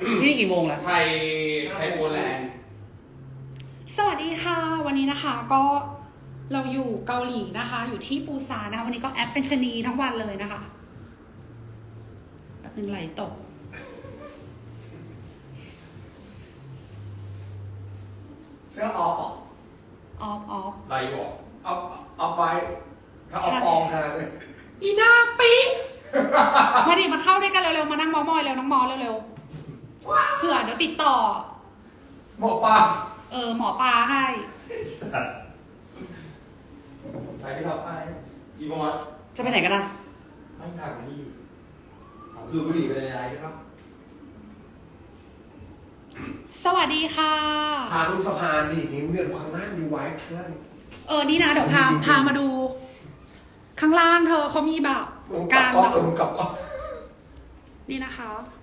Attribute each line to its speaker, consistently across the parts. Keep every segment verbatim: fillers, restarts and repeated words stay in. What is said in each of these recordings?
Speaker 1: ที่นี่กี่โมงแล้ว
Speaker 2: ไทยไทยโปแลนด์
Speaker 3: สวัสดีค่ะ วันนี้นะคะก็เราอยู่เกาหลีนะคะ อยู่ที่ปูซานนะคะวันนี้ก็แอปเป็นชนีทั้งวันเลยนะคะแบบนึงไหลตก
Speaker 4: เสื้อออฟ
Speaker 3: ออฟออฟ
Speaker 2: ไรบอก
Speaker 4: ออฟออฟไว้ถ้าออฟปองขนาดเลย
Speaker 3: อีหน้าปีมาดิมาเข้าด้วยกันเร็วๆมานั่งมอมอยเร็วน้องมอเร็วๆเผื่อเดี๋ยวติดต่อ
Speaker 4: หมอปลา
Speaker 3: เออหมอปลาให้
Speaker 2: ไปที่เราไปอีโมอส
Speaker 3: จะไปไหนกันนะ
Speaker 2: ไม่ทางนี่ดูบุหรี่ไปในไลฟ์ครับ
Speaker 3: สวัสดีค่ะ
Speaker 4: พาดูสะพานดินิ้วเนี่ยดูข้างล่างดูไว้ข้างล่าง
Speaker 3: เออนี่นะเดี๋ยวพาพามาดู ข้างล่างเธอเขามีแบบ
Speaker 4: มึงกลั
Speaker 3: กา
Speaker 4: บ
Speaker 3: ร
Speaker 4: ก็
Speaker 3: แบบ
Speaker 4: เออมึงกลับก็
Speaker 3: นี่นะคะ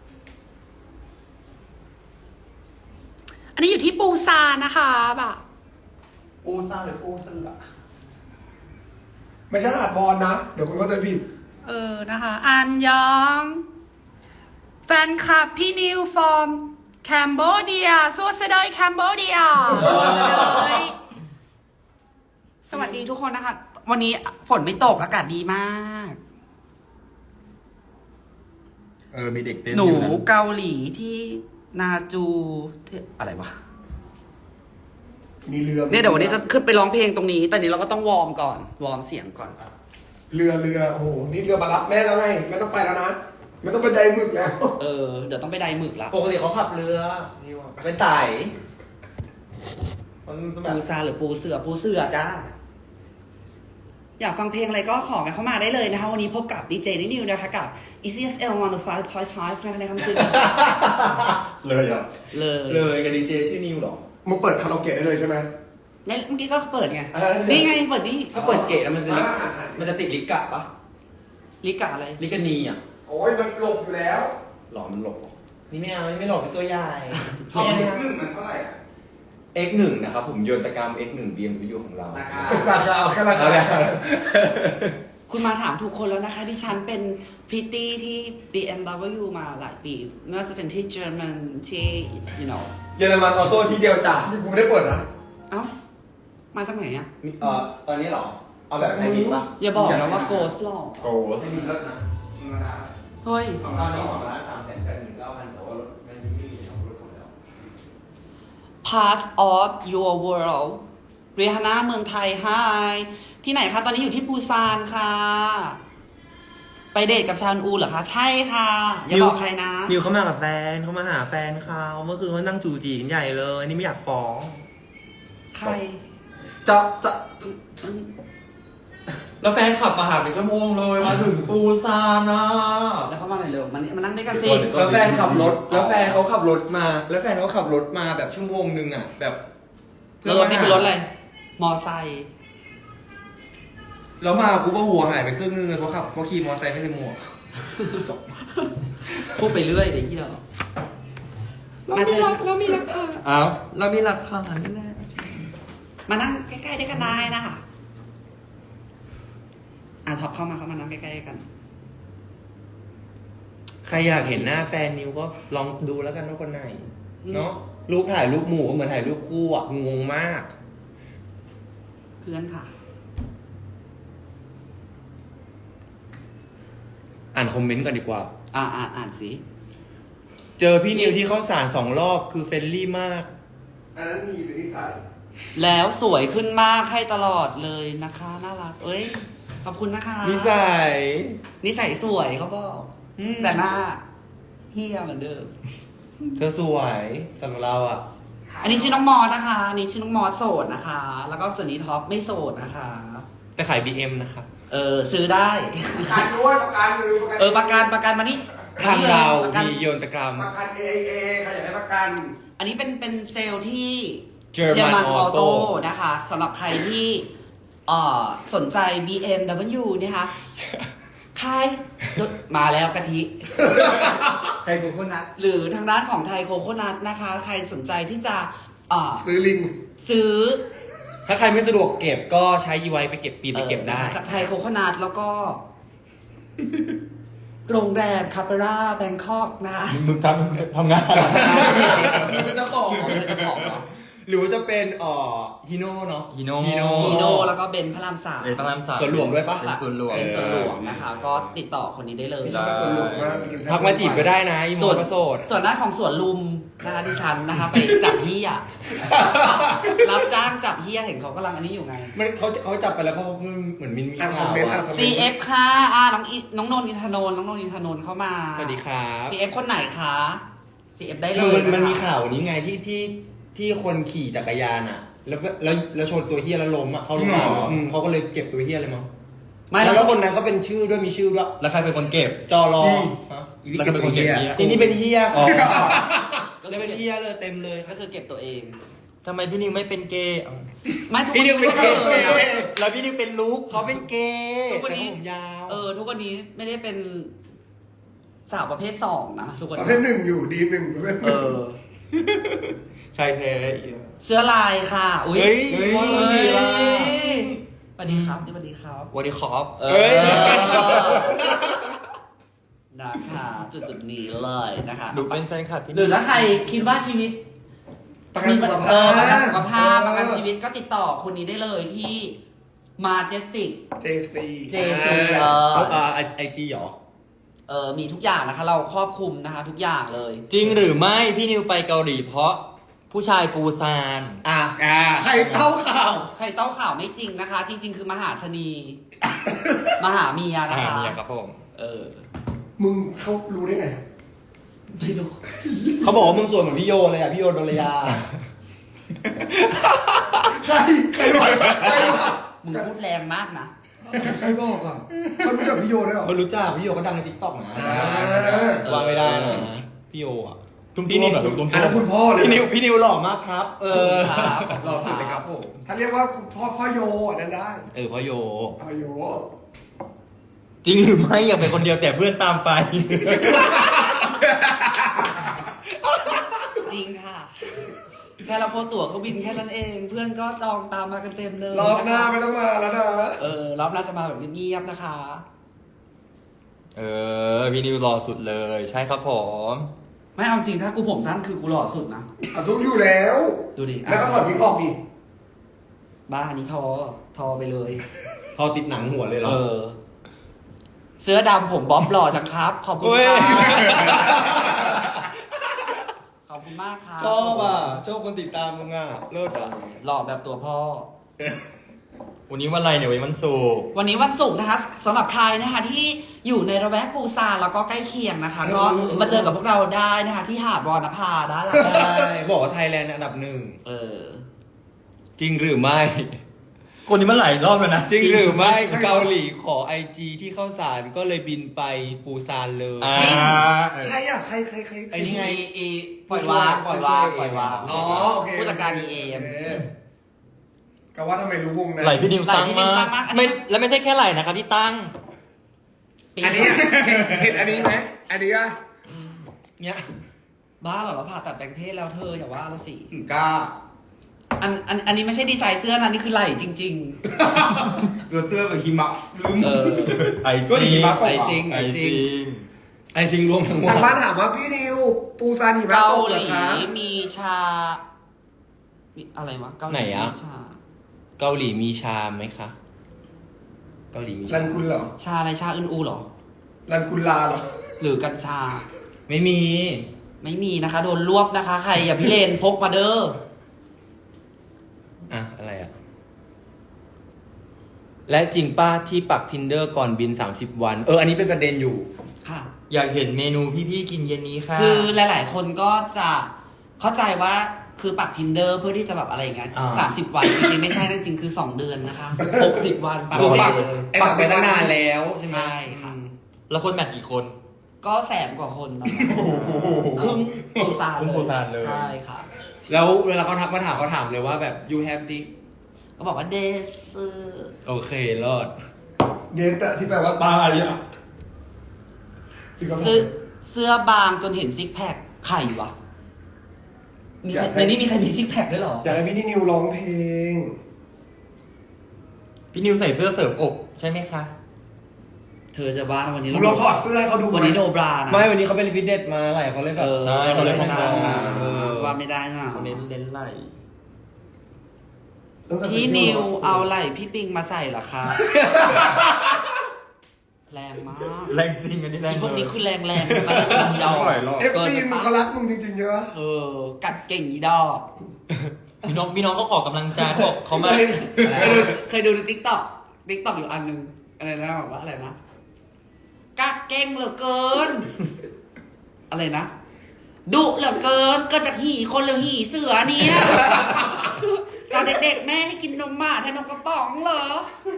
Speaker 3: อันนี้อยู่ที่ปูซานนะคะแบบ
Speaker 2: ปูซ่าหรือปูเสือ
Speaker 4: ไม่ใช่หาดบอลนะ เดี๋ยวคนก็จะผิด
Speaker 3: เออนะคะ อันยอง แฟนคลับพี่นิวฟอร์มแคนเบเดียสวัสดีแคนเบเดียเลยสวัสดีทุกคนนะคะ วันนี้ฝนไม่ตกอากาศดีมาก
Speaker 2: เออมีเด็กเต้น
Speaker 1: หนู
Speaker 2: อยู่ะ
Speaker 1: เกาหลีที่นาจูที่อะไรวะ
Speaker 4: มีเรือ
Speaker 1: เนี่ยเดี๋ยววันนี้จะขึ้นไปร้องเพลงตรงนี้ แต่นี้เราก็ต้องวอร์มก่อน วอร์มเสียงก่อน
Speaker 4: เรือเรือโอ้โหนี่เรือมารับแม่แล้วไงไม่ต้องไปแล้วนะไม่ต้องไปไดหมึกแล้ว
Speaker 1: เออ เดี๋ยวต้องไปไดหมึกละ
Speaker 2: ปกติเขาขับเรือนี่ว่าเป็นไต่มันต้องแบ
Speaker 1: ปู
Speaker 2: บ
Speaker 1: ซาหรือปูเสือปูเสือจ้า อยากฟังเพลงอะไรก็ขอกันเข้ามาได้เลยนะคะ วันนี้พบกับดีเจนินิวนะคะกับ อี ซี เอฟ แอล หนึ่งศูนย์ห้าจุดห้านะคะในคำคืน
Speaker 2: เลยอ่ะ
Speaker 1: เลย
Speaker 2: เลยกับดีเจชื่อนิวหรอ
Speaker 4: มึงเปิดคาราโอเกะได้เลยใช่ไหม
Speaker 1: เนี่ยเมื่อกี้ก็เปิดไง
Speaker 4: เออ
Speaker 1: นี่ไงเปิดนี่
Speaker 2: ถ้าเปิดเกตแล้วมันจะ
Speaker 4: อ่า
Speaker 2: มันจะติดลิกะปะ
Speaker 1: ลิกาอะไร
Speaker 2: ลิกานีอ่ะ
Speaker 4: โอ้ยมันหลบอยู่แล้ว
Speaker 2: หลอมันหลบเหรอนี่ไม่เอานี่ไม่หลบเป็นตัวใหญ่
Speaker 4: เอาหนึ่งมันเท่าไหร่อะ
Speaker 2: เอ็กซ์หนึ่ง นะครับผมโยนตกรรม เอ็กซ์หนึ่ง บี เอ็ม ดับเบิลยู ของเรา
Speaker 4: ราคาราคาเอาแค่ราคา
Speaker 1: คุณมาถามถูกคนแล้วนะคะดิฉันเป็นพริตตี้ที่ บี เอ็ม ดับเบิลยู มาหลายปีไม่ว่าจะเป็นที่เยอรมันที่ you know
Speaker 2: เยอรมันออโต้ที่เดียวจ้ะ
Speaker 4: นี่กูไม่ได้เปิดนะ
Speaker 1: เอ้า มาจากไหนอ่ะ
Speaker 2: มีเอ่อตอนนี้เหรอ เอาแบบไฮบริดปะ
Speaker 1: อย่าบอกนะว่าโกสหรอก
Speaker 2: โกสไม่มีรถนะ
Speaker 1: เฮ้ย
Speaker 2: ตอนนี้สองล้านสามแสนแปดหมื่นเก้าพันแต่ว่ารถไม่มีไม่มีของรถของแล้ว
Speaker 1: Part of your world เรียฮาน่าเมืองไทย Hi ที่ไหนคะ ตอนนี้อยู่ที่ปูซานค่ะ ไปเดทกับชาญอูเหรอคะ ใช่ค่ะ อย่าบอกใครนะ
Speaker 5: นิวเขามากับแฟนเขามาหาแฟนเขาเมื่อคืนเขานั่งจูจีกันใหญ่เลย นี่ไม่อยากฟ้อง
Speaker 1: ใคร
Speaker 2: จะจะแล้วแฟนขับมาหาเป็นชั่วโมงเลยมาถึงปูซานนะ
Speaker 1: แล้วเขามาไหนอยเร็วมานี่มานั่งด้วยกันสิ
Speaker 5: แล้วแฟนขับรถ แล้วแฟนเขาขับรถมา แล้วแฟนเขาขับรถมาแบบชั่วโมงนึงอ่ะ แบบ
Speaker 1: แล้วรถนี่เป็นรถอะไร มอไซค์
Speaker 5: แล้วมากูก็หัวหายไปครึ่งนึงเลยเพราะขับเพราะขี่มอเตอร์ไซค์ไม่ใส่หมวก จบ
Speaker 1: พูดไปเรื่อยเดี๋ยวที่เรา
Speaker 3: เรามีหลักเรามีหลักฐาน
Speaker 5: อ้าวเรามีหลักฐานแน่
Speaker 1: มานั่งใกล้ๆด้วยกันได้นะคะอ่ะท็อปเข้ามาเข้ามานั่งใกล้ๆกัน
Speaker 5: ใครอยากเห็นหน้าแฟนนิวก็ลองดูแล้วกันว่าคนไหน เนาะรูปถ่ายรูปหมู่ก็เหมือนถ่ายรูปคู่อ่ะงงมาก
Speaker 1: เพื่อนค่ะ
Speaker 5: อ่านคอมเมนต์ก่อนดีกว่า
Speaker 1: อ่าอ่านอ่านสิ
Speaker 5: เจอพี่นิวที่เข้าสารสองรอบคือเฟรนลี่มาก
Speaker 4: อันนั้นมีหรือที่ใส่
Speaker 1: แล้วสวยขึ้นมากให้ตลอดเลยนะคะ น่ารัก เอ้ย ขอบคุณนะคะ
Speaker 5: นิสัย
Speaker 1: นิสัยสวยเขาบอก
Speaker 5: อืม
Speaker 1: แต่หน้าเฮียเหมือนเดิม
Speaker 5: เธอสวยสำหรับเราอ่ะ
Speaker 1: อันนี้ชื่อน้องมอสนะคะ อันนี้ชื่อน้องมอสโสดนะคะ แล้วก็ส่วนนี้ท็อปไม่โสดนะคะ
Speaker 5: ไปขาย บี เอ็ม นะครับ
Speaker 1: เออซื้อได้
Speaker 4: ประกันด้วยประกันเลย
Speaker 1: เออประกันประกันมานี่
Speaker 5: ทางเรา
Speaker 1: ประกัน
Speaker 5: มีโยนตกรรม
Speaker 4: ประกัน เอ เอ ใครอยากได้ประกัน
Speaker 1: อันนี้เป็นเป็นเซลล์ที่
Speaker 5: German
Speaker 1: ออโต้
Speaker 5: Auto
Speaker 1: นะคะสำหรับใครที่เอ่อสนใจ บี เอ็ม ดับเบิลยู นะคะใครมาแล้วกะทิ
Speaker 5: ใครกูคนนัด
Speaker 1: หรือทางด้านของไทยโคโคนัทนะคะ ใครสนใจที่จะเอ่อ
Speaker 4: ซื้อลิง
Speaker 1: ซื้อ
Speaker 5: ถ้าใครไม่สะดวกเก็บก็ใช้ยีไวไปเก็บปีไปเก็บได้
Speaker 1: จากไทยโคโคนัทแล้วก็โรงแรมคาเปร่าแบงคอกนะ
Speaker 2: มึงทำทำงาน
Speaker 4: มึงเป็นเจ้าของ
Speaker 1: อ๋อเป็นเจ้าของเหรอ
Speaker 5: หรือว่าจะเป็นเอ่อฮิโน่เนาะ
Speaker 2: ฮิโน่
Speaker 5: ฮิโน่
Speaker 1: ฮีโนแล้วก็เบนพระรามสาม
Speaker 2: เป็นพระรามสาม
Speaker 5: สวนหลวงด้วยปะ
Speaker 2: เป็นสวนหลวง
Speaker 1: เป็นส่วนหลวงนะคะ ก็ติดต่อคนนี้ได้เลย
Speaker 4: ไม่ใช่ว่าสนุกมากน
Speaker 5: ทักมาจีบก็ได้นะอีโม
Speaker 1: ส่วน
Speaker 5: ก็โสด
Speaker 1: ส่วนหน้าของสวนลุมนะคะดิฉันนะคะ ไปจับเฮียรับจ้างจับเฮียเห็นเขากำลังอันนี้อยู่ไง
Speaker 5: มันเขาเขาจับไปแล้วเพราะมันเหมือนมินมี
Speaker 4: อ่านคอ
Speaker 5: ข่าม ว
Speaker 4: เมนต์อ่าน
Speaker 5: อะ
Speaker 4: คอมเมนต์
Speaker 1: ซี เอฟ ค่ะอ่าน้องอิน้องนนท์อินทนนท์น้องนนท์อินทนนท์เข้ามา
Speaker 5: สวัสดีครับ
Speaker 1: ซี เอฟ คนไหนคะ ซี เอฟ ได้เล
Speaker 5: คือย มันมัน
Speaker 1: ะคะ
Speaker 5: มีข่าวนี้ไงที่ที่ที่คนขี่จักรยานอ่ะ แล้วแล้วแล้วชนตัวเฮียแล้วล้มอ่ะเขาลงมาอืมเขาก็เลยเก็บตัวเฮียเลยมั้ง
Speaker 1: ไม่
Speaker 5: แล้
Speaker 1: แล้ว ว
Speaker 5: คนนั้นเขาเป็นชื่อด้วยมีชื่อด้วย
Speaker 2: แล้วใครเป็นคนเก็บ
Speaker 5: จอรอ
Speaker 2: แล้วใครเป็นคนเก็บเนี่ย
Speaker 5: ทีนี้เป็นเฮีย
Speaker 2: อ๋อ
Speaker 1: ก็
Speaker 5: เลย
Speaker 1: คือ
Speaker 5: เป็น
Speaker 1: เก็บ
Speaker 5: เฮียเลยเต็มเลย
Speaker 1: ก็คือเก็บตัวเอง
Speaker 2: ทำไมพี่นิวไม่เป็นเกย์
Speaker 1: ไม่ทุก
Speaker 5: พี่นิวเป็นเกย์
Speaker 1: ทุกวันนี้
Speaker 2: แล้วพี่นิวเป็นลูก
Speaker 5: เขาเป็นเกย์
Speaker 1: ทุกวันนี้
Speaker 5: แต่ผมยาว
Speaker 1: เออ ทุกวันนี้ไม่ได้เป็นสาวประเภทสองนะทุกวัน
Speaker 4: ประ
Speaker 1: นี้
Speaker 4: เภทหนึ่งอยู่ดีหนึ่งประเภทห
Speaker 1: เอ
Speaker 4: นึ่ง
Speaker 1: อ
Speaker 5: ชายแท้
Speaker 1: เสื้อลายค่ะ อุ้ย
Speaker 5: เฮ้ย
Speaker 1: เฮ้ย
Speaker 5: เฮ้ย
Speaker 1: สวัสดีครับสวัสดีครับ
Speaker 2: วันดีคอป
Speaker 1: เอ
Speaker 5: เฮ้ย
Speaker 1: นะคะจุดจุดๆนี้เลยนะคะ
Speaker 2: ดูเป็นแฟนคลับพี่
Speaker 1: หรือถ้าใครคิดว่าชีวิต
Speaker 4: ประกันสุขภา
Speaker 1: เอ
Speaker 4: พ
Speaker 1: อประกันสุขภาพประกันชีวิตก็ติดต่อคนนี้ได้เลยที่มาเจสติก
Speaker 4: เจซี
Speaker 1: เจซีเออ
Speaker 5: เออไอจีหรอ
Speaker 1: เออมีทุกอย่างนะคะ เราครอบคลุมนะคะ ทุกอย่างเลย
Speaker 2: จริงหรือไม่พี่นิวไปเกาหลีเพราะผู้ชายปูซาน
Speaker 5: อ่ะอ่า
Speaker 4: ใครเต้าข่าว
Speaker 1: ใครเต้าข่าวไม่จริงนะคะ จริง ๆ คือมหาชนี มหาเมียนะ
Speaker 2: อ่า
Speaker 1: คะ
Speaker 2: เนี่ยครับผม
Speaker 1: เออ
Speaker 4: มึงเขารู้ได้ไง
Speaker 1: ไม่รู้
Speaker 5: เขาบอกว่ามึงสวยเหมือนพี่โยเลยอ่ะพี่โยโดรยา
Speaker 4: ใครใครบอกใครบอก
Speaker 1: มึงพูดแรงมากนะ
Speaker 4: ใครบอกอ่ะเขารู้จักพี่โยด้วยเหรอ
Speaker 5: เขารู้จักพี่โยก็ดังในทิกตอกนะ
Speaker 4: อ่า
Speaker 5: วางไม่ได้นะพี่โยอ่ะ
Speaker 2: ตุ้ม
Speaker 5: พี่
Speaker 2: พี่
Speaker 5: นิ
Speaker 2: นิ
Speaker 5: ว
Speaker 2: วแบบตุ้ม
Speaker 4: อันนั้นคุณพ่อเลย
Speaker 5: พี่นิวพี่นิวหล่อมากครับ เออ
Speaker 1: ครับ
Speaker 5: หล่อสุดเลยครับผม
Speaker 4: ถ้าเรียกว่าคุณพ่อพ่อโยอันนั้นได้
Speaker 5: เออพ่อโย
Speaker 4: พ่อโย
Speaker 2: จริงหรือไม่อยากเป็นคนเดียวแต่เพื่อนตามไป
Speaker 1: จริงค่ะ แค่เราโพสต์ตั๋วเครื่องบินแค่นั้นเอง เพื่อนก็จองตามมากันเต็มเลย
Speaker 4: รอบหน้าไม่ต้องมาแล้วนะ
Speaker 1: เออรอบหน้าจะมาแบบเงียบๆนะคะ
Speaker 2: เออพี่นิวรอสุดเลย ใช่ครับผม
Speaker 1: ไม่เอาจริงถ้ากูผมสั้นคือกูหล่อสุดนะ
Speaker 4: เอาทุกอยู่แล้ว
Speaker 1: ดูดิ
Speaker 4: แล้วก็ถอดวิกออกดิ
Speaker 1: บ้าอันนี้ทอ ทอไปเลย
Speaker 5: พอติดหนังหัวเลยเหรอ
Speaker 1: เออ เสื้อดำผมบ๊อบหล่อจังครับ ขอบคุณ
Speaker 5: เฮ้ย
Speaker 1: ค่ะขอบคุณมากครับ
Speaker 5: ชอบอ่ะชอบคนติดตามมึงอ่ะเลิศอ่ะ
Speaker 1: หล่อแบบตัวพ่อ
Speaker 2: วันนี้วันอะไรเนี่ยวันนี้วันศุกร์
Speaker 1: วันนี้วันศุกร์นะคะสำหรับใครนะคะที่อยู่ในระแวกปูซานแล้วก็ใกล้เคียงนะคะ ก็มาเจอกับพวกเราได้นะคะ ที่หาดวอนภาได้ละ
Speaker 5: ใช่บอกว่าไทยแลนด์อันดับหนึ่ง
Speaker 1: เออ
Speaker 5: จริงหรือไม่
Speaker 2: คนนี้มันหลายรอบแล้วนะ
Speaker 5: จริงหรือไม่เกาหลีขอไอจีที่เข้าสารก็เลยบินไปปูซานเลย
Speaker 2: อ่า
Speaker 4: ใครอ่ะใครใครใคร
Speaker 5: ไอ้นี่ไง
Speaker 1: เอปล่อยวางปล่อยวางปล่อยวาง
Speaker 4: อ๋อโอเค
Speaker 1: ผู้จัดการ อี เอ็ม
Speaker 4: โคก็ว่าทำไมรู้วงนะ
Speaker 2: ไหลพี่นิวตั้งมาก
Speaker 1: ไหล่พี่นิวตั้งมาก
Speaker 2: ไม่แล้วไม่ใช่แค่ไหลนะครับที่ตั้ง
Speaker 4: อันนี้อะเห็นอันนี้ไหมอันนี้อ่ะ
Speaker 5: เนี่ย
Speaker 1: บ้าเหรอเราผ่าตัดแปลงเพศแล้วเธออย่าว่าเราสิ
Speaker 5: กล้า
Speaker 1: อันอันอันนี้ไม่ใช่ดีไซน์เสื้อนะนี่คือไหล่จริง
Speaker 5: รถเสื้อแบบหิมะลืม
Speaker 1: ๆ เออ
Speaker 2: ไอ
Speaker 5: ก็หิ
Speaker 2: ซิง
Speaker 5: มะตก
Speaker 1: ไอซิง
Speaker 2: ไอซิง
Speaker 5: ไอซิงรวมทั้งหมด
Speaker 4: ทางบ้านถามว่าพี่นิว ปูซานหิมะ
Speaker 1: เกา
Speaker 4: ตก
Speaker 1: ห
Speaker 4: เหรอ
Speaker 1: ลี
Speaker 4: คะ
Speaker 1: มีชามีอะไรวะเกาหลี
Speaker 5: ไหนอะ
Speaker 1: มีชา
Speaker 5: เกาหลีมีชามไหมคะ เกาหลีมี
Speaker 4: รั
Speaker 5: ชาน
Speaker 4: กุลเหรอ
Speaker 1: ชาอะไรชาอึนอูเหรอ
Speaker 4: รันกุลลาเหรอ
Speaker 1: หรือกัญชา
Speaker 5: ไม่มี
Speaker 1: ไม่มีนะคะ โดนรวบนะคะ ใครอย่าพี่เลนพกมาเด้อ
Speaker 5: อ่ะ อะไรอ่ะ และจริงป้าที่ปัก tinder ก่อนบิน สามสิบ วัน เออ อันนี้เป็นประเด็นอยู่
Speaker 1: ค่ะ
Speaker 2: อยากเห็นเมนูพี่ๆกินเย็นนี้ค่ะ
Speaker 1: คือหลาย ๆ คนก็จะเข้าใจว่าคือปัก tinder เพื่อที่จะแบบอะไรอย่างเงี้ย
Speaker 5: อ่า
Speaker 1: สามสิบวันจริงๆไม่ใช่นะจริงๆคือสองเดือนนะคะหกสิบวันปัก
Speaker 5: คือปัก
Speaker 1: เลย
Speaker 5: ปักไปตั้งนานแล้วใช่ไหม
Speaker 1: ใช่ค่ะ
Speaker 2: แล้วคนแมทกี่คน
Speaker 1: ก็แสนกว่าคนนะครึ่งปูซาน
Speaker 2: ครึ่งปูซานเลย
Speaker 1: ใช่ค่ะ
Speaker 5: แล้วเวลาเขาทักมาถามเขาถามเลยว่าแบบ you have dick
Speaker 1: ก็บอกว่าเดซ
Speaker 5: โอเครอด
Speaker 4: เย็นแต่ที่แปลว่าตายอ่ะที่เขาบอก
Speaker 1: เสื้อเสื้อบางจนเห็นซิกแพคไข่วะมีใครในนี้มีใครมีซิกแพคด้วยเหรอ
Speaker 4: อยากให้พี่นิวร้องเพลง
Speaker 2: พี่นิวใส่เสื้อเสริมอกใช่ไหมคะ
Speaker 1: เธอจะบ้านะวันนี้
Speaker 4: มึงลองถอดเสื้อให้เขาดูไหม
Speaker 1: วันนี้โนบรานะ
Speaker 5: ไม่วันนี้เขาเป็นฟิตเนสมาไหลเขาเลยแบบ
Speaker 1: เออ
Speaker 2: ใช่เขาเล่น
Speaker 1: ไม่
Speaker 2: พ
Speaker 1: ได้
Speaker 2: อง
Speaker 1: นะ
Speaker 2: ๆ
Speaker 5: เออ
Speaker 1: ว่าไม่ได้นะ
Speaker 2: คนนี้เล่นไหล
Speaker 4: ตั้งแต่
Speaker 1: พี่นิวเอาไหล่พี่ปิงมาใส่เหรอคะแรงมาก
Speaker 2: แรงจริงอันนี้แรง
Speaker 1: พวกนี้
Speaker 2: เลย
Speaker 1: คือแรงแรงๆนะอีดอก
Speaker 2: ไม่ไหวหรอก
Speaker 4: เอฟซีมึงเขารักมึงจริงๆเยอะ
Speaker 1: เออ กัดเก่งอีดอก
Speaker 2: พี่น้องพี่น้องก็ขอกำลังใจเขาบอกเขามา
Speaker 1: เคยเคยดูเคยดูในทิกตอกทิกตอกอยู่อันหนึงอะไรนะบอกว่าอะไรนะกัดเก่งเหลือเกิน อะไรนะดุเหลือเกินก็จากหีคนหรือหีเสือเนี่ยตอนเด็กๆแม่ให้กินนมหมาแทนนมกระป๋องเหรอ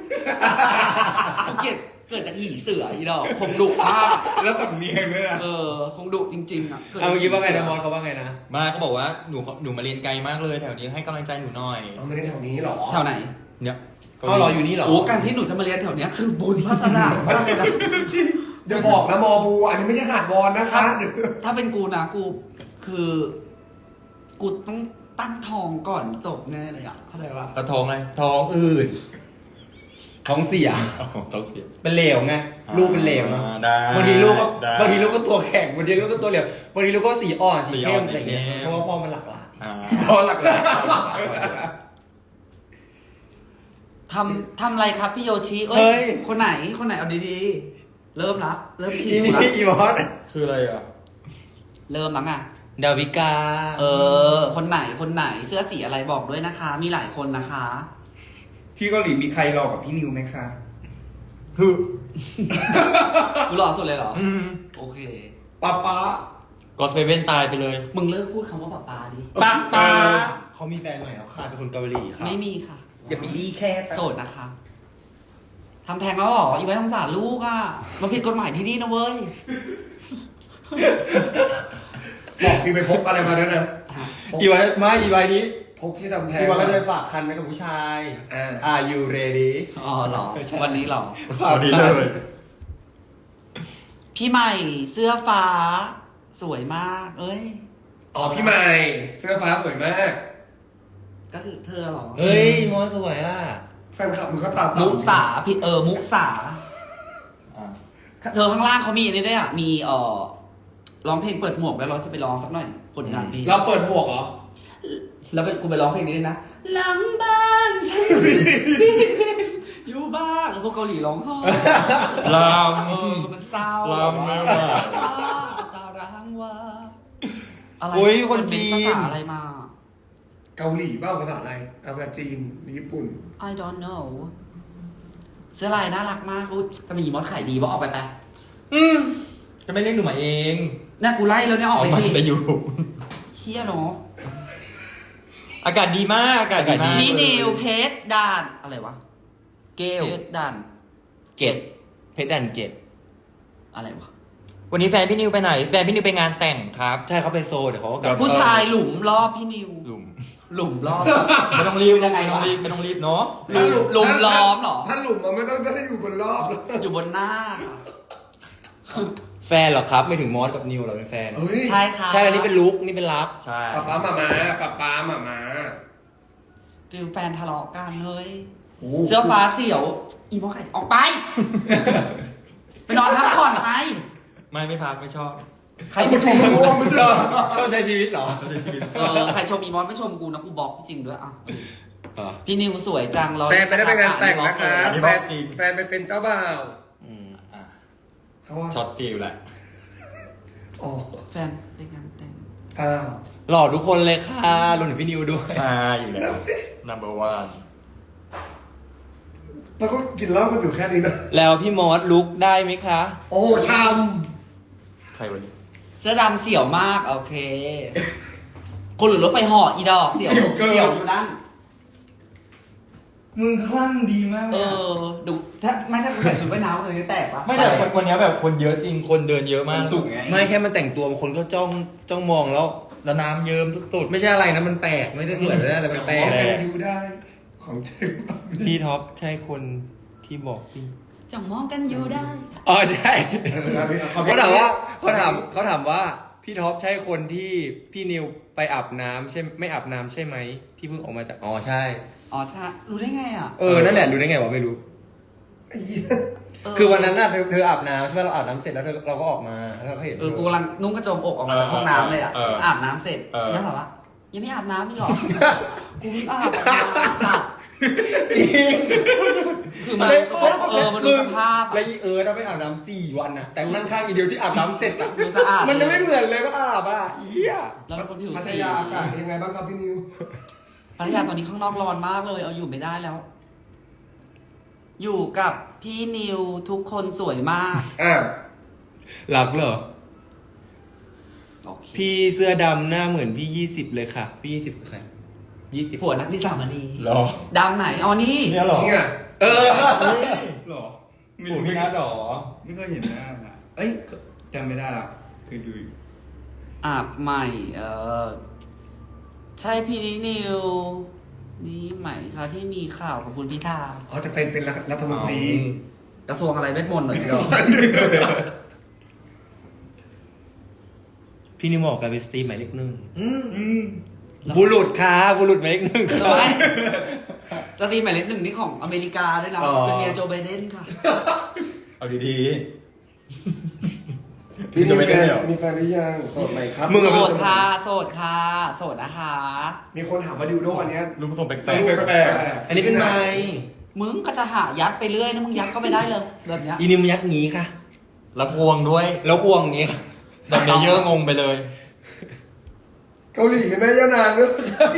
Speaker 1: เกิดเกิดจากหีเสืออีดอกผมดุมาก
Speaker 4: แล้วแบบเนียนด้วยนะ
Speaker 1: เออคงดุจริงๆอ่ะกิดจ
Speaker 5: เอา
Speaker 1: ก
Speaker 5: เมื่อกี้ว่าไง
Speaker 1: หี
Speaker 5: นะ
Speaker 1: สื
Speaker 5: มอสเขาว่าไงนะ
Speaker 2: มาเขาบอกว่าหนูหนูมาเรียนไกลมากเลยแถวนี้ให้กำลังใจหนูหน่อย
Speaker 4: เอาไม่ได้แถวนี้หรอ
Speaker 1: แถวไหน
Speaker 2: เนี่ย
Speaker 5: เขารออยู่นี่เหรอ
Speaker 1: โอ้การที่หนูจะมาเรียนแถวเนี้ยคือบุญวาสนามากเลยนะ
Speaker 4: อย่าบอกนะมอบูอันนี้ไม่ใช่หาดวอนนะคะ
Speaker 1: ถ้าเป็นกูนะกูคือ กูต้องตั้งทองก่อนจบแน่เลยอ่ะเข้าใจปะ
Speaker 2: กระท้องอะไรท้องอื่น
Speaker 5: ท้องเสีย
Speaker 2: อ๋อท้องเสีย
Speaker 5: เป็นเหลวไงลูกเป็นเหลวนะ
Speaker 2: อ่าได้
Speaker 5: บางทีลูกก็
Speaker 2: ได้
Speaker 5: บางทีลูกก็ตัวแข็งบางทีลูกก็ตัวเหลวบางทีลูกก็สีอ่อนสีเข้ม
Speaker 2: สีอ่อน
Speaker 5: อะไรอย่างเงี้ย
Speaker 2: สีเข้ม
Speaker 5: เพราะว่าพ่อมันหลักหลาย
Speaker 2: อ่า
Speaker 5: พ่อหลักหลาย
Speaker 1: ทำทำอะไรครับพี่โยชิเอ้
Speaker 5: เฮ้
Speaker 1: ย
Speaker 5: ย
Speaker 1: คนไหนคนไหนเอาดีๆ เริ่มละเริ่มชี้
Speaker 5: อี
Speaker 1: ละ
Speaker 5: นี่อีมอส
Speaker 2: คืออะไรอ่ะ
Speaker 1: เริ่มแล้วไง
Speaker 5: ดาวิกา
Speaker 1: เออ คนไหนคนไหนเสื้อสีอะไรบอกด้วยนะคะ มีหลายคนนะคะ
Speaker 5: ที่เกาหลีมีใครรอกับพี่นิวไหมคะ
Speaker 2: ฮึ
Speaker 1: กูหล่อสุดเลยเหรอ
Speaker 2: อืม
Speaker 1: โอเค
Speaker 4: ป้าป้า
Speaker 2: ก็เซเว่นตายไปเลย
Speaker 1: มึงเลิกพูดคำว่าป๊าป๊าดิ
Speaker 2: ป๊าป๊า
Speaker 5: เขามีแฟนใหม่แล้วค่ะเป็นคนเกาหลีค่ะ
Speaker 1: ไม่มีค่ะ
Speaker 5: อย่าไปรีแค่
Speaker 1: โสดนะคะทำแทงแล้วเหรออีไว้สงสารลูกอ่ะมันผิดกฎหมายที่นี่นะเว้ย
Speaker 4: บอกที่ไปพกอะไรมาด้วยนะพก
Speaker 5: อีไว้ไม่อีไว้นี้
Speaker 4: พกที่ทำแทน
Speaker 5: อีไว้ก็จะไปฝากคันไว้กับผู้ชาย
Speaker 4: อ่า
Speaker 5: Are you ready
Speaker 1: อ๋อเหรอ วันนี้เหรอ
Speaker 2: พอดีเลย
Speaker 1: พี่ใหม่เสื้อฟ้า สวยมาก เอ้ย
Speaker 4: อ๋อพี่ใหม่เสื้อฟ้าสวยมาก
Speaker 1: ก็คือเธอเหรอ
Speaker 5: เฮ้ยมอสสวยอ่ะ
Speaker 4: แฟนคลับมึงก็ตาม
Speaker 1: มุสาพี่เออ มุสา
Speaker 2: อ่า
Speaker 1: เธอข้างล่างเขามีอันนี้ด้วยอ่ะ มีเอ่อร้องเพลงเปิดหมวกแล้วเราจะไปร้องสักหน่อยผลงานเพลง
Speaker 4: เราเปิดหมวกเหรอ
Speaker 1: แล้วไปกูไปร้องเพลงนี้ด้วยนะหลังบ้าน ฉันอยู่บ้านแล้วพวกเกาหลีร้องไห้
Speaker 2: ล
Speaker 1: เออมันเศร้า
Speaker 2: ำลำไม่ไหว
Speaker 1: ตาร้างว่าอะไร
Speaker 5: โอ้ยคนจีน
Speaker 1: ภาษาอะไรมา
Speaker 4: เกาหลีเปล่าภาษาอะไรเอาภาษาจีนหรือญี่ปุ่น
Speaker 1: I don't know เสื้อลายน่ารักมากอุ๊ยจะมีมอสขายดีบอกออกไปไป
Speaker 2: อืมจะไม่เรียกหนูมาเอง
Speaker 1: เนี่ยกูไล่แล้วเนี่ยออกไป
Speaker 2: มัน
Speaker 1: สิ
Speaker 2: ไปอยู่
Speaker 1: เฮี้ยเนาะ
Speaker 2: อากาศดีมากอากาศดีมาก
Speaker 1: นี่นิวเพชรด่านอะไรวะ
Speaker 5: เกล
Speaker 1: เพชรด่าน
Speaker 5: เกตเพชรดันเกต
Speaker 1: อะไรวะ
Speaker 2: วันนี้แฟนพี่นิวไปไหน แฟนพี่นิวไปงานแต่งครับ
Speaker 5: ใช่เขาไปโซเดี๋ยวเขาก็กลับ
Speaker 1: ผู้ชายหลุมรอบพี่นิว
Speaker 2: หลุม
Speaker 1: หลุมรอบ
Speaker 2: ไม่ต้องรีบ
Speaker 1: ยังไง
Speaker 2: ไม่ต้อง
Speaker 1: วะ
Speaker 2: รีบไม่ต้องรีบเนาะ
Speaker 1: หลุมหลุมล้อมเหรอ
Speaker 4: ถ้าหลุมมันไม่ต้องได้อยู่บนรอบแล้ว
Speaker 1: อยู่บนหน้า
Speaker 5: แฟนเหรอครับ ไม่ถึงมอสกับนิวเหรอเป็นแฟน
Speaker 4: เฮ้ย
Speaker 1: ใช่ค่ะ
Speaker 5: ใช่อันนี้เป็นลุกนี่เป็นลับ
Speaker 2: ใช่
Speaker 4: ป้าป้ามามาป้าป้ามามา
Speaker 1: คือแฟนทะเลาะกันเฮ้ย
Speaker 4: โอ้
Speaker 1: เสื้อฟ้าเสี่ยว อีมอไข่ออกไป ไปนอนพักผ่อนไป
Speaker 2: ไม่ไม่พักไม่ชอบ
Speaker 1: ใครไม่ชมกู
Speaker 4: ไม่
Speaker 5: ช
Speaker 4: ใช่
Speaker 5: อบชอบใช้ชีวิตเหรอ
Speaker 2: เขาจะชีวิต
Speaker 1: เออใครชมอีมอสไม่ชมกูนะกูบล็อกจริงด้วยอ่ะ
Speaker 5: อ่ะ
Speaker 1: พี่นิวสวยจังร้อย
Speaker 4: แฟนไปได้ไปงานแต่งนะคะ
Speaker 2: อันนี้
Speaker 4: แฟ
Speaker 2: บอน กจริง
Speaker 4: แฟนไปเป็นเจ้าบ่าว
Speaker 5: อืม
Speaker 2: อ่ะ
Speaker 4: เขาว่า
Speaker 2: ช็อตฟิลแหละ
Speaker 4: อ๋อ
Speaker 1: แฟนไปงานแต่ง
Speaker 4: อ้าว
Speaker 5: หล่อทุกคนเลยค่ะรวมถึงพี่นิวด้วย
Speaker 2: ใช่อยู่แล้ว number one
Speaker 4: แล้วก็กินเหล้ากันอยู่แค่นี้นะ
Speaker 5: แล้วพี่มอสลุกได้ไหมคะ
Speaker 4: โอ้ชาม
Speaker 2: ใครวันนี้
Speaker 1: เสื้อดำเสี่ยวมาก โอเค คนหรือรถไฟห่ออีดอกเสี่ยวเสี่ยวอยู่นั่น
Speaker 5: มึงคลั่งดีมาก
Speaker 1: เออ ดูถ้าไม่ถ้ากูใส่ชุดว่ายน้ำเลยจะแตกปะ
Speaker 2: ไม่แต่วันนี้แบบคนเยอะจริงคนเดินเยอะมาก
Speaker 5: สุกไงไม่แค่มันแต่งตัวคนก็จ้องจ้องมองแล้ว
Speaker 2: แล้วน้ำเยิ้มสุด
Speaker 5: ไม่ใช่อะไรนะมันแปลกไม่ได้สวยไม่ได้อะไรมันแปล
Speaker 4: ม
Speaker 5: ก
Speaker 4: อง
Speaker 2: แปล
Speaker 4: กันอยู่ได้ ของจริง
Speaker 5: พี่ท็อปใช่คนที่บอกพี่
Speaker 1: จังมองกันอยู่ได้
Speaker 5: อ๋อใช่
Speaker 4: เอออันนี้เอา
Speaker 5: เขาถามว่าเขาถามเขาถามว่าพี่ท็อปใช่คนที่พี่นิวไปอาบน้ำใช่ไม่อาบน้ำใช่ไหมที่เพิ่งออกมาจากอ๋อใช่
Speaker 1: อ๋อใช่รู้ได้ไงอ่ะ
Speaker 5: เออนั่นแหละรู้ได้ไงวะไม่รู้
Speaker 4: ไอ้เหี้ย
Speaker 5: คือวันนั้นน่ะเธอเธออาบน้ำใช่ไหมเราอาบน้ำเสร็จแล้วเธอเราก็ออกมาแล้วเราก็เห็น
Speaker 1: เออกูกำลังนุ่งกระโจมอกออกมาจากห้องน้ำเลยอ่ะ
Speaker 2: เออเออ
Speaker 1: อาบน้ำเสร็จ
Speaker 2: เออ
Speaker 1: ยังแบบว่ายังไม่อาบน้ำอีกเหรอ กูเพิ่งอาบน้ำสัตว์
Speaker 5: จริง
Speaker 1: คือมันเออมันดูสภาพ
Speaker 5: แล้
Speaker 1: อะ
Speaker 5: วอีเอิร์ธเราไปอาบน้ำสี่วันน่ะแต่นั่งข้างอีเดียวที่อาบน้ำเสร็จอ่ะ
Speaker 1: ดูสะอาด
Speaker 5: มันจะไม่เหมือนเลยว่าอาบอ่ะเหี้ย
Speaker 1: แล้วเป็นคนผิว
Speaker 4: พัท
Speaker 1: สี
Speaker 4: ยาอากาศเป็นยังไงบ้างครับพี่นิว
Speaker 1: พัทยาตอนนี้ข้างนอกร้อนมากเลย เอาอยู่ไม่ได้แล้ว อยู่กับพี่นิวทุกคนสวยมาก
Speaker 4: อ่า
Speaker 5: รักเหรอ
Speaker 1: โอเค
Speaker 5: พี่เสื้อดำหน้าเหมือนพี่ยี่สิบเลยค่ะ พี่ยี่สิบคือใครยี่สิบ
Speaker 1: ผัวนักดิสามณี
Speaker 2: หรอ
Speaker 1: ดำไหนอ๋อนี่
Speaker 2: เนี่ยหรอ
Speaker 4: นี่ไง
Speaker 5: เออ
Speaker 6: หรอ
Speaker 2: โอ้พี่นัทหรอ
Speaker 6: ไม่เคยเห็นหน้าอะเอ้ยจำไม่ได้ละเคยดูอยู่
Speaker 1: อาบใหม่ เออใช่พี่นิว นี่ใหม่ค่ะที่มีข่าวของคุณพิธา
Speaker 4: เขาจะเป็นเป็นรัฐมนตรี
Speaker 1: กระทรวงอะไรเวทมนต์เหรอเดียว
Speaker 5: พี่นิวบอกกันเป็นสตรีมหมายเลขหนึ่ง
Speaker 6: อืม
Speaker 5: บุรุษค่ะบุรุษหมายเลขหนึ่ง
Speaker 1: ทำไมสตรีมหมายเลขหนึ่งนี่ของอเมริกาด้วยนะ
Speaker 5: อ๋อ
Speaker 1: เป็นเมียโจไบเดนค่ะ
Speaker 2: เอาดี
Speaker 4: พี่
Speaker 2: จะ
Speaker 4: นิว
Speaker 2: ไม่
Speaker 4: แฟ
Speaker 2: ได้
Speaker 4: น
Speaker 2: เหรอ
Speaker 4: มีแฟนหรือยังโสดไหมครับ
Speaker 5: มึงอะ
Speaker 1: โส
Speaker 5: เป็น
Speaker 1: ดค่ะ โสดค่ะ โสดนะคะ
Speaker 4: มีคนถามว่าดิวโดอันเนี้ย
Speaker 2: ๆลูกผสมแปล
Speaker 4: ใส่
Speaker 2: ก
Speaker 4: รูปแปลกๆ
Speaker 5: อันนี้เป็นไม้
Speaker 1: มึงก็จะหายัดไปเรื่อยนะมึงยัดเข้าไปได้เลยแบบเนี้ย
Speaker 5: อีนิวมันยัดงี้ค่ะ
Speaker 2: ๆแล้วควงด้วย
Speaker 5: แล้วควงอย่างงี้ค่ะ
Speaker 2: แต่เมเยอร์งงไปเลย
Speaker 4: เกาหลีเป็นแม่ย่านางด้วย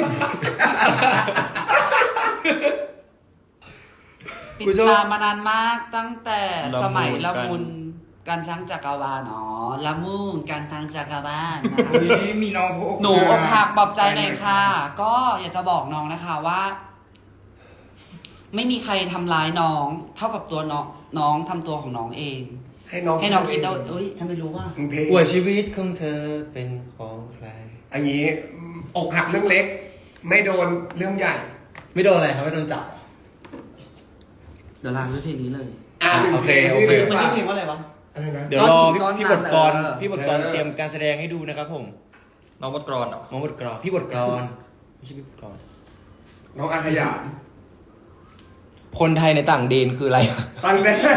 Speaker 1: ติดตามมานานมากตั้งแต่สมัยละมุนการช้างจักรวาลอ๋อละมุนการทางจักรวาลนะคะ
Speaker 6: นี่มีน้องเขาอก
Speaker 1: หนูอกหักปลอบใจหน่อยค่ะ ก็อยากจะบอกน้องนะคะว่า ไม่มีใครทำร้ายน้อง เท่ากับตัวน้องน้องทำตัวของน้องเอง
Speaker 4: ให้น้อง
Speaker 1: ให้น้องคิดเอาเอ้ยทำไมรู้ว่า
Speaker 4: มึงเพลง
Speaker 5: กว่าชีวิตของเธอเป็นของใคร
Speaker 4: อันนี้อกหักเรื่องเล็ก ไม่โดนเรื่องใหญ่
Speaker 5: ไม่โดนอะไรครับไม่โดนจับ
Speaker 1: เดี๋ยวลางด้วยเพลงนี้เลย
Speaker 4: อ่า
Speaker 5: โอเคโอเค
Speaker 1: มันชื่อเพลงว่าอะไรวะ
Speaker 4: อะไรนะ
Speaker 5: เดี๋ยวรอพี่
Speaker 1: ก้อน
Speaker 5: พี่
Speaker 1: หิ
Speaker 5: บ
Speaker 1: น
Speaker 5: ทกร
Speaker 1: เออ
Speaker 5: พี่บทกร
Speaker 4: เออ
Speaker 5: เตรียมการแสดงให้ดูนะครับผม
Speaker 2: น้องบดกรอนเหรอ
Speaker 5: น้องบทกรพี่บทกรไม่ใช่พี่บทกร
Speaker 4: น้องอาขยาน
Speaker 5: คนไทยในต่างเดนคืออะไร
Speaker 4: ตังแดง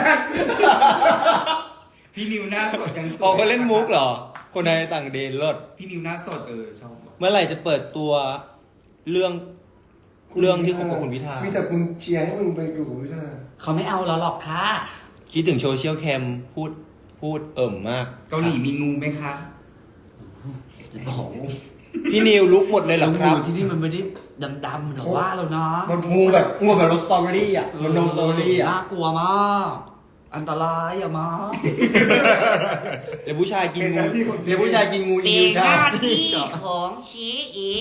Speaker 6: พี่นิวหน้าสดยังสด
Speaker 5: อ๋อเขาเล่นมุกเหรอ คนไทยในต่างเดนเลิศ
Speaker 6: พี่นิวหน้าสดเออชอบ
Speaker 5: เมื่อไหร่จะเปิดตัวเรื่องเรื่องที่คบกับคุณพิธา
Speaker 4: มีแต่มึงเชียร์ให้มึงไปอยู่กับพิธา
Speaker 1: เขาไม่เอาเราหรอกค่ะ
Speaker 5: คิดถึงโซเชียลแคมพูดพูดเอิ่มมาก
Speaker 6: เกาหลีมีงูไหมคะ
Speaker 1: จะบอก
Speaker 5: พี่นิวลุกหมดเลยเหรอครับ
Speaker 1: งูที่นี่มันไม่ได้ดำๆหรอกว่าเราเนาะ
Speaker 4: มัน
Speaker 5: งูแบบงูแบบรสสตรอเบอรี่อ่ะมันนมสตรอเบอรี่อ่ะ
Speaker 1: น่ากลัวมาก อันตรายอะมา
Speaker 5: เดี๋ยวผู้ชายกิน
Speaker 4: เป็นห
Speaker 5: งู
Speaker 4: น้าที่ของ
Speaker 5: เดี๋ยวผู้ชายกินงู
Speaker 1: เป็
Speaker 5: อีนิวน ชา
Speaker 1: หน้าที่ของชี้เอง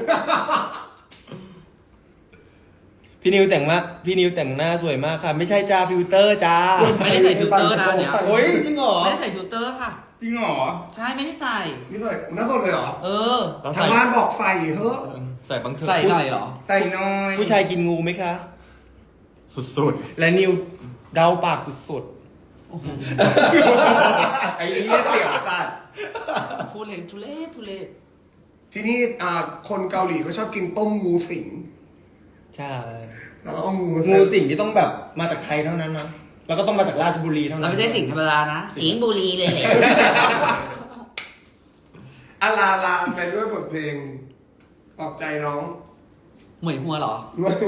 Speaker 5: พี่นิวแต่งมากพี่นิวแต่งหน้าสวยมากค่ะ ไม่ใช่จ้าฟิลเตอร์จ้า
Speaker 1: ไม่ได้ใส่ฟิลเตอร์นะเนี่ย
Speaker 5: โอ้ยจริงเหรอ
Speaker 1: ไม่ได้ใส่ฟิลเตอร์ค่ะ
Speaker 6: จริงเหรอ
Speaker 1: ใช่ไม่ได้ใส่
Speaker 4: นี่เลยหน้าสดเลยเหรอ
Speaker 1: เออ
Speaker 2: แล้ว
Speaker 4: ทาง
Speaker 2: ใส่
Speaker 4: บ้านบอกใส่เฮ้อะ
Speaker 2: ใส่บางเถอะ
Speaker 1: ใส่หน่อยเหรอ
Speaker 6: ใส่น้อย
Speaker 5: ผู้ชายกินงูไหมคะ
Speaker 2: สุด
Speaker 5: และนิวเดาปากสุด
Speaker 6: ไอ้นี่เสียวสัตว์
Speaker 1: พูดเลยทุเรศทุเรศ
Speaker 4: ที่นี่อ่าคนเกาหลีเขาชอบกินต้มงูสิง
Speaker 5: ๆ ใช่
Speaker 4: แล้วก็เอางูมา
Speaker 5: งู
Speaker 4: ใส่
Speaker 5: สิ่งที่ต้องแบบมาจากไทยเท่านั้นนะแล้วก็ต้องมาจากราชบุรีเท่านั้
Speaker 1: เรา
Speaker 5: น
Speaker 1: ไม่ใช่สิงห์ธรรมดานะ สิงห์บุรีเลยแหละ
Speaker 4: อาลาลาไปด้วยบทเพลงปลอบใจน้อง
Speaker 1: หมวยหัวเหรอ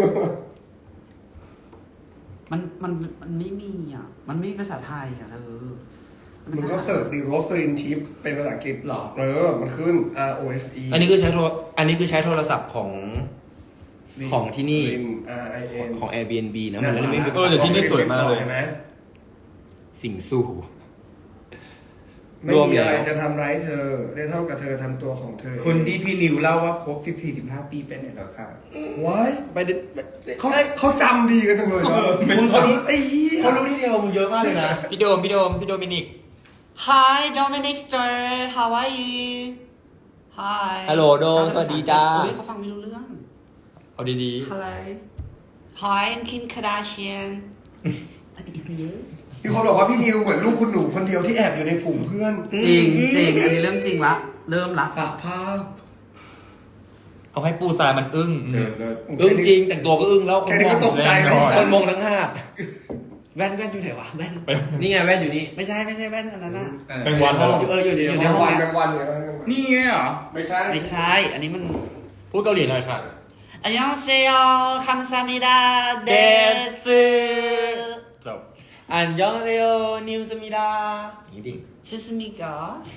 Speaker 1: มันมันมันไม่มีอ่ะ มันไม่มีภาษาไทยอ่ะเออ
Speaker 4: มึงก็เสิร์ชดิโรสลินทิปเป็นภาษาอังกฤษ
Speaker 5: หรอ
Speaker 4: เออ มันขึ้น R O S E
Speaker 5: อันนี้คือใช้โทรอันนี้คือใช้โทรศัพท์ของของที่นี่
Speaker 4: R I N
Speaker 5: ของ Airbnb นะมันเลยไม่มี
Speaker 2: ๆเออแต่ที่นี่สวยมากเลย
Speaker 4: ใช่ไหม
Speaker 5: สิ่งสู้
Speaker 4: ไม่
Speaker 5: รวม
Speaker 4: มี
Speaker 5: แล้ว
Speaker 4: อะไรจะทำร้ายเธอ ได้เท่ากับเธอทำตัวของเธอ
Speaker 6: คนที่พี่นิวเล่าว่าครบสิบสี่สิบห้าปีเป็นไหนแล้วค่ะ
Speaker 4: ว้าย
Speaker 5: ไปเด็ด
Speaker 4: เขาเขาจำดีกันจังเลยเนาะ
Speaker 5: มึงเขารู้
Speaker 4: ไอ้เหี้ย
Speaker 5: เขารู้ที่เดียวมึงเยอะมากเลยนะ
Speaker 2: พี่โดมพี่โดมพี่โดมินิก
Speaker 1: Hi Dominic Stir how are you Hi
Speaker 5: ฮัลโหลโดมสวัสดีจ้า
Speaker 1: โอ้ยเขาฟังไม่รู้เรื่อง
Speaker 2: เอาดี
Speaker 1: Hello Hi I'm Kim Kardashian อันนี้เยอะ
Speaker 4: มีคนบอกว่าพี่นิวเหมือนลูกคุณหนูคนเดียวที่แอบอยู่ในฝูงเพื่อน
Speaker 1: จริงจริงอันนี้เรื่องจริงละ เริ่มละ
Speaker 4: สาภาพ
Speaker 2: ๆ เอาให้ปูทรายมันอึ้ง
Speaker 6: เออเลิศ
Speaker 5: อึ้งจริงแต่งตัวก็อึ้งแล้วคน
Speaker 4: แค่นี้
Speaker 5: มอ
Speaker 4: ก็
Speaker 5: ง
Speaker 4: ตกใจแล้ว
Speaker 2: แน่นอน
Speaker 5: คนมองทั้งหาด
Speaker 1: แว่นแว่นอยู่ไหนวะแว่น
Speaker 5: นี่ไงแว่นอยู่นี่
Speaker 1: ไม่ใช่ไม่ใช่แว่นอันนั้นน่ะ
Speaker 6: เออ
Speaker 2: เป็นวันเหรอ
Speaker 1: อยู่เอออยู่อยู่
Speaker 4: แม
Speaker 1: ใน
Speaker 4: ง
Speaker 1: ห้อง
Speaker 4: วันแม
Speaker 1: นะ
Speaker 4: งวันเนี่ยแมงวัน
Speaker 6: นี่ไงเหรอ
Speaker 4: ไม่ใช่
Speaker 1: ไม่ใช่ อันนี้มัน
Speaker 2: พูดเกาหลีหน่อยค่ะ
Speaker 1: อันยองเซโอคัมซามิดาเดซึ
Speaker 2: จบ
Speaker 5: อันยองเซโอนิวสมิดานี่ดิ
Speaker 1: ชิสมิกะ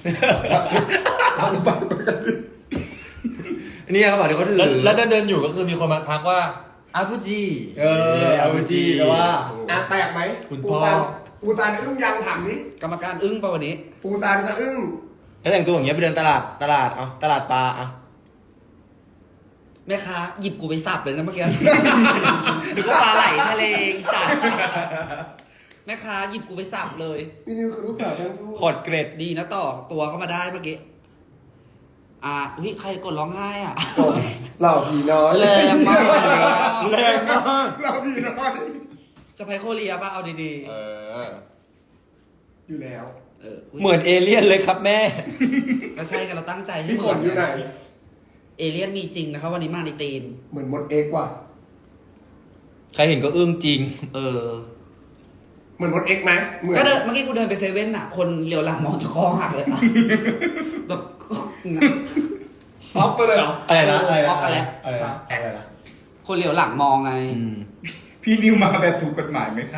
Speaker 5: นี่เขาบอกเดี๋ยวเขาถือ
Speaker 2: แล้วแล้วเดินเดินๆอยู่ก็คือมีคนมาทักว่าอากุจิ
Speaker 5: เอออาบูจีแต่ว่า
Speaker 4: อ่ะแตกไหม
Speaker 2: คุณ
Speaker 4: ปู
Speaker 2: พ่อ
Speaker 4: ซานปูซานอึ้งยังถามนี้
Speaker 1: กรรมการอึ้งป่ะวันนี้
Speaker 4: ปูซานก็อึ้ง
Speaker 5: ถ้าแต่งตัวอย่างเงี้ยไปเดินตลาดตลาดเอาตลาดปลาเอา
Speaker 1: แม่ค้าหยิบกูไปสับเลยนะเมื่อกี้ หรือว่าปลาไหลทะเลอีสัตว์แม่ค้าหยิบกูไปสับเลย
Speaker 4: พี่นิวคือลูกสาวทั้งคู่
Speaker 5: ขอดเกรด
Speaker 1: ดีนะต่อตัวเข้ามาได้เมื่อกี้ อ่าอุ้ยใครกดร้องไห้อ่ะ
Speaker 4: จบเหล่าผีน้อย
Speaker 1: แรงมาก
Speaker 2: แรงมาก
Speaker 4: เหล่าผีน้อย
Speaker 1: สไปโคเรียป่ะเอาดี
Speaker 2: เออ
Speaker 4: อยู่แล้ว
Speaker 1: ๆเออ
Speaker 5: เหมือนเอเลี่ยนเลยครับแม่
Speaker 1: ก็ใช่กันเราตั้งใจให้
Speaker 4: พี่
Speaker 1: เห
Speaker 4: ฝ
Speaker 1: มือน น
Speaker 4: อยู่ไหน
Speaker 1: เอเลี่ยนมีจริงนะครับวันนี้มาในตีน
Speaker 4: เหมือนมดเอ็กซ์ว่ะ
Speaker 5: ใครเห็นก็อึ้งจริง
Speaker 1: เออ
Speaker 4: เหมือนมดเอ็กซ์ไหมเหมือน
Speaker 1: ก็เดินเมื่อกี้กูเดินไปเซเว่นอ่ะ คนเลี้ยวหลังมองจะคอหักเลยอะแบบ
Speaker 4: ออฟไปเลยเหรอ
Speaker 5: อะไรนะอะไร
Speaker 1: ออกกันแล้ว
Speaker 5: อะไรนะอะไรนะ
Speaker 1: คนเหลียวหลังมองไง
Speaker 5: อืม
Speaker 6: พี่นิวมาแบบถูกกฎหมายไหมครับ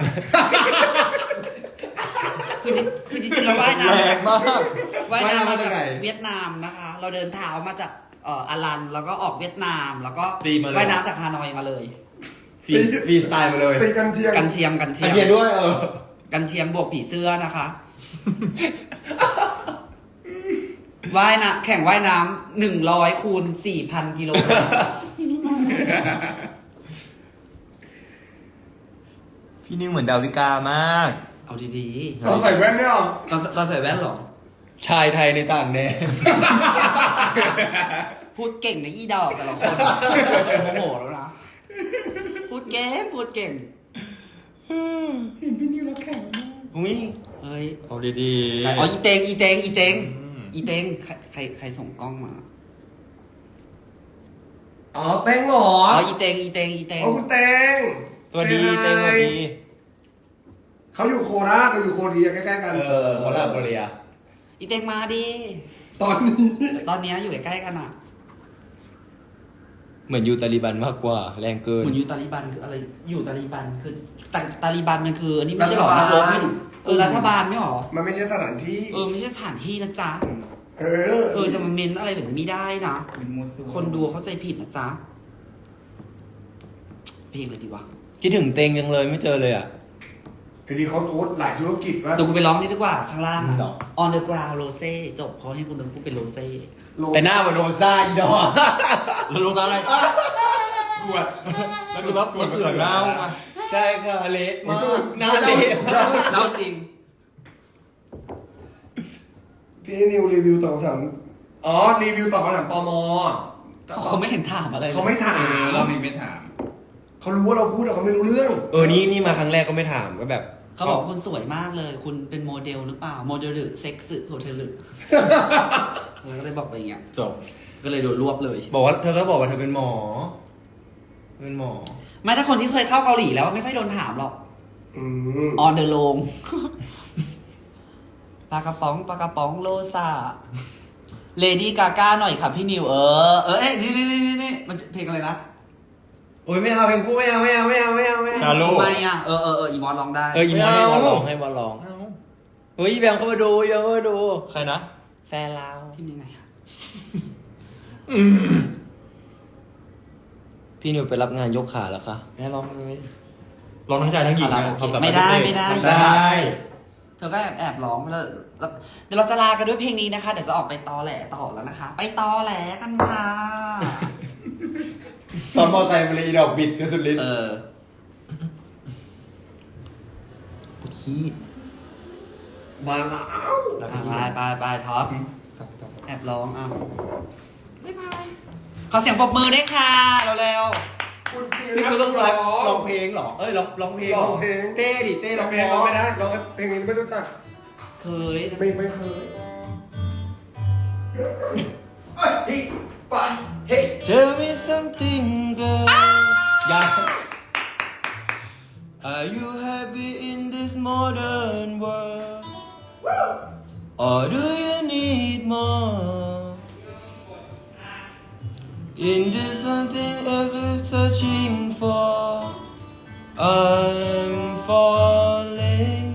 Speaker 1: คือคือจริงๆเราว่ายน้
Speaker 2: แรงมาก
Speaker 1: ำว่ายน้ำมาจากเวียดนามนะคะ เราเดินเท้ามาจากเอ่ออารันแล้วก็ออกเวียดนาม แล้วก็ว่ายน้ำจากฮานอยมาเลย
Speaker 5: ฟรีฟรีสไตล์มาเลย
Speaker 4: ตีกันเทียม
Speaker 1: กันเชียงกันเชี
Speaker 5: อาย
Speaker 1: ง
Speaker 5: เทียนด้วยเออ
Speaker 1: กันเชียงบวกผีเสื้อนะคะ ว่ายน้ำแข่งว่ายน้ำหนึ่งร้อยคูณสี่พันกิโล
Speaker 2: พี่นิวเหมือนดาวิกามาก
Speaker 1: เอาดี
Speaker 4: ตอนใส่แว่นเนี่ยเหรอ
Speaker 1: ๆตอนตอนใส่แว่นเหรอ
Speaker 5: ชายไทยในต่างแดน
Speaker 1: พูดเก่งในะอีดอกแต่ละคนโมโหแล้วนะ พูดเก่งพูดเก่ง
Speaker 6: เห็นพี่นิวแล้วแข็งมาก
Speaker 5: อุ้ย
Speaker 1: เฮ้ย
Speaker 2: เอาดี
Speaker 1: อ๋ออีเตงอีเตงอีเตง
Speaker 2: อืม
Speaker 1: อีเตงใครใครใครส่งกล้องมา
Speaker 4: อ๋อเต้งเหรอ
Speaker 1: อ๋ออีเตงอีเตงอีเตง
Speaker 4: โอ้คุณเต้ง
Speaker 5: ตัวดีเต้งตัวดี
Speaker 4: เขาอยู่โคราชเราอยู่โคเรียใกล้ๆกัน
Speaker 5: เออโคราชโคเรีย
Speaker 1: อีเตงมาดิ
Speaker 4: ตอนนี้
Speaker 1: ตอนเนี้ยอยู่ใกล้ๆกันอ่ะ
Speaker 5: เหมือนยูตาลิบันมากกว่า แรงเกิน
Speaker 1: เหมือนอยู่ตาลีบันคืออะไรอยู่ตาลีบันคือตาตาลีบันมันคืออันนี้ไม่ใช่หรอนักรบไม่เออรัฐบาลไม่หรอ
Speaker 4: มันไม่ใช่สถานที่
Speaker 1: เออไม่ใช่สถานที่นะจ๊ะ
Speaker 4: เออ
Speaker 1: เออจะมาเมนอะไรแบบนี้ไม่ได้นะ
Speaker 6: เป็นมูซู
Speaker 1: คนดูเข้าใจผิดนะจ๊ะเพลงอะไรดีวะ
Speaker 5: คิดถึงเต็งยังเลยไม่เจอเลยอ่ะ
Speaker 4: ทีนี้เขาโอ๊ตหลายธุรกิจว่า
Speaker 1: เดี๋ยวกูไปร้องนี่ดีกว่าข้างล่าง
Speaker 5: หรอ
Speaker 1: On the ground Rose จบเพราะให้คุณนึกพูดเป็น Rose
Speaker 5: แต่หน้าเหมือนโรซ่าอีดอก
Speaker 2: ๆแล้วรู้ตาอะไร
Speaker 6: กวด
Speaker 2: แล้วคือแบบมันเอื่อนเน่าอ่ะ
Speaker 5: ใช่ค่ะเละมากหน้าเละ
Speaker 1: เล่าจริง
Speaker 4: พี่นิวรีวิวตอบคำถามอ๋อรีวิวตอบคำถามตม
Speaker 1: เขาเขาไม่เห็นถามอะไรลย
Speaker 4: เขาไม่ถา
Speaker 6: เออ
Speaker 4: ม
Speaker 6: เรามีไม่ถาม
Speaker 4: เขารู้ว่าเราพูดแต่เขาไม่รู้เรื่อง
Speaker 5: เออนี่นี่มาครั้งแรกก็ไม่ถามก็แบบ
Speaker 1: เขาบอกว่าคุณสวยมากเลย คุณเป็นโมเดลหรือเปล่า โมเดลหรือเซ็กซ์โฮเทลหรือเราก็เลยบอกไปอย่างเงี้ย
Speaker 2: จบ
Speaker 1: ก็เลยโดนรวบเลย
Speaker 5: บอกว่าเธอก็บอกว่าเธอเป็นหมอ เป็นหมอ
Speaker 1: ไม่ถ้าคนที่เคยเข้าเกาหลีแล้วไม่ค่อยโดนถามหรอก
Speaker 4: อืม
Speaker 1: On the road ปลากระป๋องปลากระป๋องโลซาเลดี้กาก้าหน่อยค่ะพี่นิว เออ เออ เอ๊ะนี่นี่นี่นี่มันเพลงอะไรนะ
Speaker 5: โอ้ยไม่เอาเพลงคู่ไม่เอาไม่เอาไม่เอาไม่เอาไม่
Speaker 2: ชา
Speaker 5: เอา
Speaker 2: โล
Speaker 1: ทำไมอ่ะ เออเออเอออีมอสร้องได้
Speaker 5: เอออีมอนให้บอลร้องให้บอลร้อง
Speaker 2: เอ้า
Speaker 5: เฮ้ยแบมเข้ามาดูแบมเข้ามาดู
Speaker 2: ใครนะ
Speaker 5: แฟนเรา
Speaker 1: ที่ยังไงอะ
Speaker 5: พี่นิวไปรับงานยกขาแล้วคะ
Speaker 2: แม่ร้องเลยร้องทั้งชายทั้งหญิง
Speaker 1: อ่ะ
Speaker 2: นะ
Speaker 1: โอเค
Speaker 2: ทำกับ
Speaker 1: ไม่ได้
Speaker 2: เด็ก
Speaker 1: ไม่ได้
Speaker 5: ได้
Speaker 1: เธอก็แอบแอบร้องแล้วแล้วเดี๋ยวเราจะลากันด้วยเพลงนี้นะคะ เดี๋ยวจะออกไปตอแหลต่อแล้วนะคะ ไปตอแหลกันค่ะ
Speaker 5: ซ้อมมอไซค์มาเลยอีดอกบิดกันสุดฤทธิ์
Speaker 1: เออ
Speaker 2: ปวดขี้
Speaker 4: มาแล้ว
Speaker 2: แล้ว
Speaker 1: อ่ะ
Speaker 2: ขี้
Speaker 1: ไปไปไปท็อป
Speaker 2: ครับครับ
Speaker 1: แอบร้องอ้าวบ๊ายบายขอเสียงปรบมือด้วยค่ะเร็ว
Speaker 4: คุณคิว
Speaker 5: พี่นิวต้องร้องร้องเพลงเหรอ เอ้ยร้องร้องเพลง
Speaker 4: ร้องเพลง
Speaker 5: เต้ดิเต้ร้อง
Speaker 4: เพ
Speaker 5: เพ
Speaker 4: ล
Speaker 5: ล
Speaker 4: ง
Speaker 5: ง
Speaker 4: ร้องไม่ได้ร้องเพลงนี้ไม่รู้จัก
Speaker 1: ๆเคย
Speaker 4: ไม่ไม่เคยเอ้ยเฮ้ยไปเฮ้ย
Speaker 5: Tell me something girl ยัง
Speaker 2: Are you happy in the Into something else is searching for. I'm falling.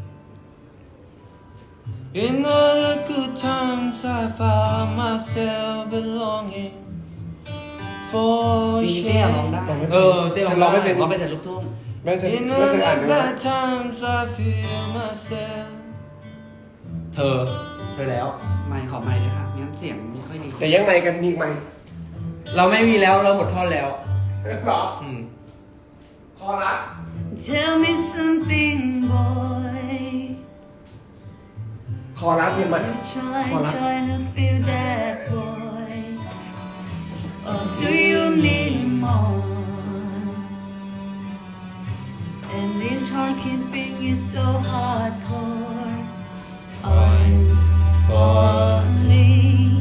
Speaker 2: In all the good times, I found myself belonging. For
Speaker 1: ปีนี้เต้ร้องได้
Speaker 2: shame.
Speaker 5: เออเต้ร้อง
Speaker 4: ร้องไม่เป็น
Speaker 1: ร้องไปแต่ลูกทุ่ง
Speaker 4: แม่เธอ
Speaker 2: In
Speaker 4: แม่
Speaker 2: all
Speaker 4: เคยอ่าน
Speaker 2: the
Speaker 4: ไหม
Speaker 2: bad times, I feel myself.
Speaker 5: เธอ เธอแล้ว
Speaker 1: ไม่ขอไม่เลยค่ะงั้นเสียงไม่ค่อยดี
Speaker 4: แต่ยังไงกันมีอีกไหม
Speaker 5: เราไม่มีแล้วเราหมดท่อนแล้ว
Speaker 4: หรอ
Speaker 5: อืม
Speaker 4: คอรัส
Speaker 3: Tell me something boy
Speaker 4: คอรัสมีไหม
Speaker 3: Try,
Speaker 4: Hola.
Speaker 3: try to feel that boy. Or do you need more? And this heart keeping you so hardcore. I'm falling.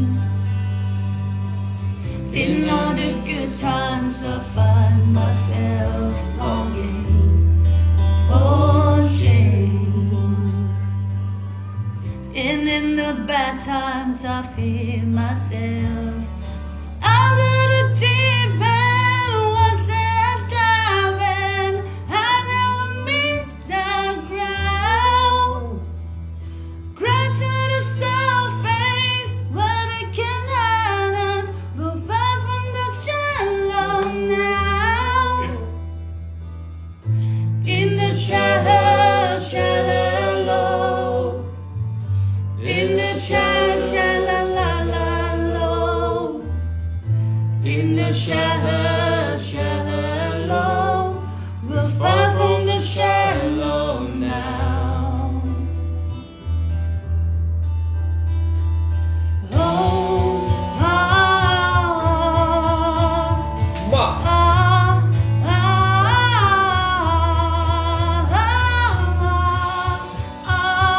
Speaker 3: In all the good times, I find myself longing for change. And in the bad times, I feel myself under the deep end. Was it diving? I never meet the ground. Cry to the surface, but it can hurt us. But far from the shallow now. In the shallow, shallow. In the shallow, shallow, la, la, low. In the shallow, shallow, low. We're far from the shallow now. Oh, oh,
Speaker 4: มา
Speaker 3: oh, oh, oh,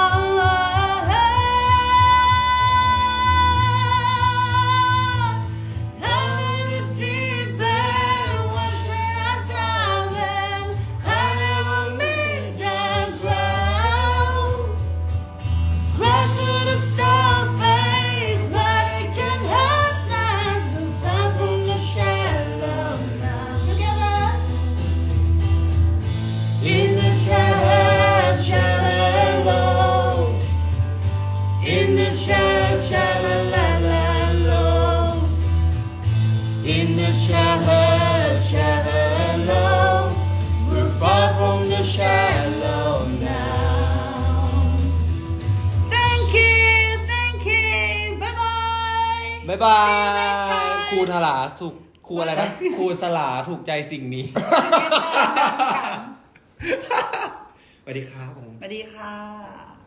Speaker 3: In the shallow, shallow, in the shallow, shallow, la, la, low. In the shallow, shallow, low. We're far from the shallow now. Thank you, thank you, bye bye.
Speaker 5: บ๊ายบาย ครูทลาสุขครูอะไรนะ ครูสลาถูกใจสิ่งนี้ สวัสดีครับผม
Speaker 1: สวัสดีค่ะ